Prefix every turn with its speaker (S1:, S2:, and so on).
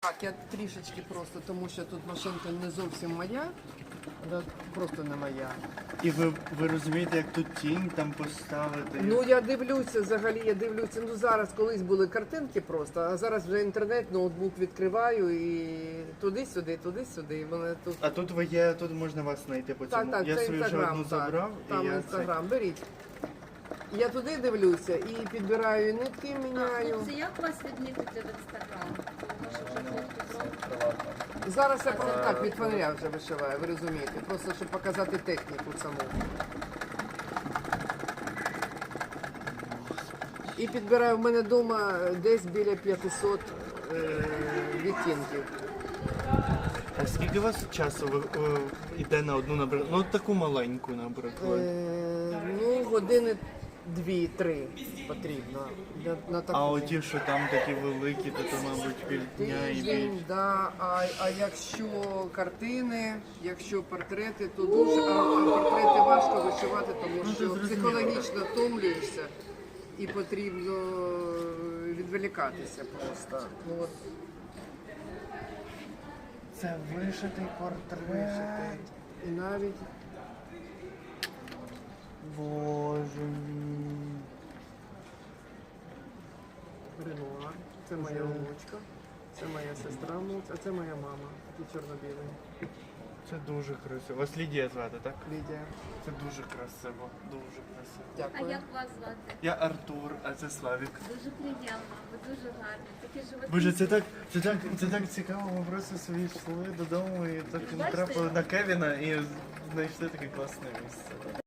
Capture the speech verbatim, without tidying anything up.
S1: Так, я трішечки просто, тому що тут машинка не зовсім моя, да, просто не моя.
S2: І ви, ви розумієте, як тут тінь там поставити?
S1: Ну я дивлюся, взагалі я дивлюся, ну зараз колись були картинки просто, а зараз вже інтернет, ноутбук відкриваю і туди-сюди, туди-сюди. І мене тут...
S2: А тут ви є, тут можна вас знайти по цьому.
S1: Так, так,
S2: я
S1: це
S2: свою вже
S1: інстаграм,
S2: одну
S1: так,
S2: забрав.
S1: там
S2: і я
S1: інстаграм, беріть. Я туди дивлюся і підбираю нитки, міняю.
S3: Хлопці, як вас відмітити в інстаграм? Може вже хтось зробив?
S1: Зараз я просто так від фонаря вже вишиваю, ви розумієте, просто щоб показати техніку саму. І підбираю в мене вдома десь біля п'ятисот е, відтінків.
S2: А скільки у вас часу ви, е, йде на одну, наприклад, ну таку маленьку, наприклад?
S1: Е, ну, години дві-три потрібно. Для, на таку.
S2: А оті, що там такі великі, то, то мабуть, півдня і
S1: Тиждень,
S2: більше.
S1: да. А, а якщо картини, якщо портрети, то дуже, а, а портрети важко вишивати, тому
S2: Ну, це
S1: що
S2: зрозуміло.
S1: психологічно втомлюєшся і потрібно відволікатися просто. Ну, от,
S2: Це вишитий портрет.
S1: вишити. І навіть
S2: Боже мій.
S1: Ренуар, це моя онучка, це моя сестра, а це моя мама, такі чорно-білі.
S2: Це дуже красиво. Вас Лідія звати, так?
S1: Лідія.
S2: Це дуже красиво, дуже красиво.
S3: А
S1: Дякую.
S3: як вас звати?
S2: Я Артур, а це Славік.
S3: Дуже приємно, ви дуже гарні. Такі животи.
S2: Боже, це так, це так, це так цікаво. Ми просто собі йшли додому і так
S3: Бачите?
S2: натрапили на Кевіна і знайшли таке класне місце.